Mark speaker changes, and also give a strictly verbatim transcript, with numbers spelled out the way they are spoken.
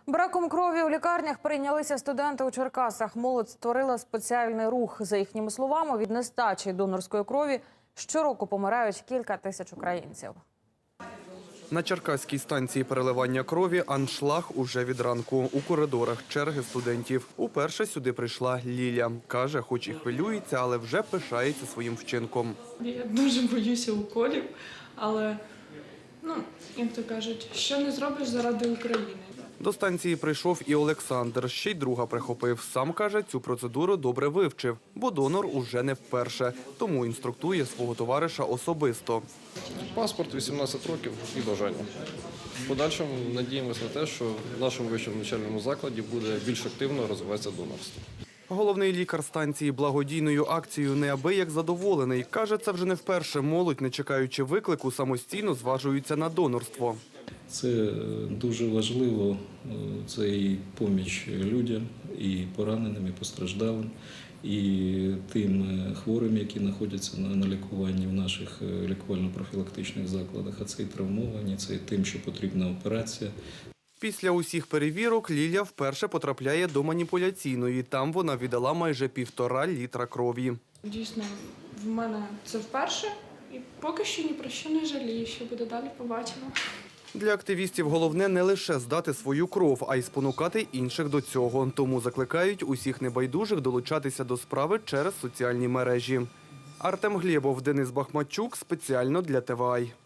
Speaker 1: Браком крові у лікарнях перейнялися студенти у Черкасах. Молодь створила спеціальний рух. За їхніми словами, від нестачі донорської крові щороку помирають кілька тисяч українців.
Speaker 2: На черкаській станції переливання крові аншлаг уже від ранку. У коридорах черги студентів. Уперше сюди прийшла Ліля. Каже, хоч і хвилюється, але вже пишається своїм вчинком.
Speaker 3: Я дуже боюся уколів, але, ну, як то кажуть, що не зробиш заради України.
Speaker 2: До станції прийшов і Олександр. Ще й друга прихопив. Сам, каже, цю процедуру добре вивчив, бо донор уже не вперше. Тому інструктує свого товариша особисто.
Speaker 4: Паспорт, вісімнадцять років і бажання. В подальшому надіємося на те, що в нашому вищому навчальному закладі буде більш активно розвиватися донорство.
Speaker 2: Головний лікар станції благодійною акцією неабияк задоволений. Каже, це вже не вперше молодь, не чекаючи виклику, самостійно зважуються на донорство.
Speaker 5: Це дуже важливо, це і поміч людям, і пораненим, і постраждалим, і тим хворим, які знаходяться на лікуванні в наших лікувально-профілактичних закладах, а це і травмовані, це і тим, що потрібна операція.
Speaker 2: Після усіх перевірок Ліля вперше потрапляє до маніпуляційної. Там вона віддала майже півтора літра крові.
Speaker 3: Дійсно, в мене це вперше, і поки що ні про що не жалію, що буде далі, побачимо.
Speaker 2: Для активістів головне не лише здати свою кров, а й спонукати інших до цього. Тому закликають усіх небайдужих долучатися до справи через соціальні мережі. Артем Глєбов, Денис Бахматчук. Спеціально для ТВАЙ.